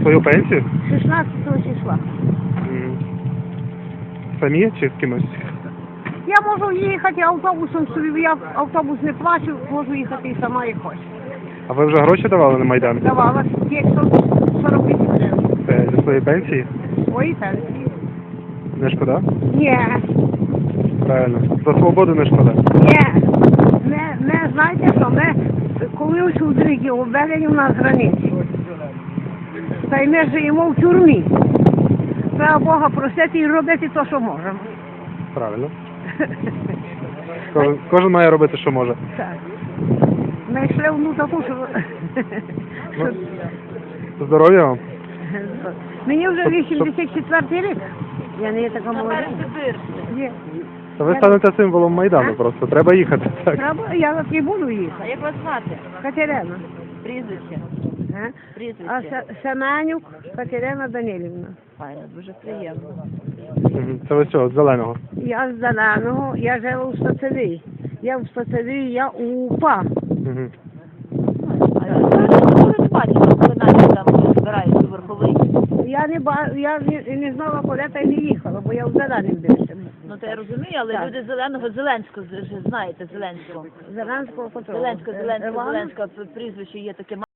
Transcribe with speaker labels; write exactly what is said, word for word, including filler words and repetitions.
Speaker 1: свою пенсію?
Speaker 2: шістнадцятого числа.
Speaker 1: Мгм. Самі чи з кимось?
Speaker 2: Я можу їхати автобусом собі, я автобус не плачу, можу їхати і сама як хочу.
Speaker 1: А ви вже гроші давали на Майдан?
Speaker 2: Давала п'ятсот сорок вісім гривень.
Speaker 1: Це зі своєї пенсії?
Speaker 2: Свої пенсії.
Speaker 1: Не шкода?
Speaker 2: Ні,
Speaker 1: Правильно. За свободу не шкода.
Speaker 2: ні. Не, не знаєте що, ми, коли у чоловіки обведені у нас границі, та й ми живемо в тюрмі. Треба Бога просити і робити те, що можемо.
Speaker 1: Правильно. Кожен, кожен має робити, що може.
Speaker 2: Так. Ми йшли в ну таку, що...
Speaker 1: Ну, здоров'я вам.
Speaker 2: Мені вже
Speaker 1: Щоб-
Speaker 2: вісімдесят четвертий рік. Я не є така молода. Є.
Speaker 1: Та ви станете символом Майдану просто. Треба їхати. Так.
Speaker 2: Треба, я от і буду їхати.
Speaker 3: А як вас звати?
Speaker 2: Катерина.
Speaker 3: Прізвище?
Speaker 2: А, а
Speaker 3: Прізвище?
Speaker 2: Се- Семенюк Катерина Данилівна.
Speaker 3: Файно, дуже приємно.
Speaker 1: Мгм. Це ви що, з зеленого?
Speaker 2: Я з Зеленого, я жила у Стацевій. Я в Стацевій, я у УПА.
Speaker 1: Угу.
Speaker 3: А я не бачила, коли навіть там збираєте верховий.
Speaker 2: Я не ба я не, не знала, куди та й не їхала, бо я в Зеленим дивився.
Speaker 3: Ну то я розумію, але
Speaker 2: Так.
Speaker 3: люди зеленого, Зеленського, ж знаєте, Зеленського.
Speaker 2: Зеленського котрого?
Speaker 3: Зеленського,
Speaker 2: Е,
Speaker 3: Зеленського,
Speaker 2: Івана?
Speaker 3: Зеленського, прізвище є таке.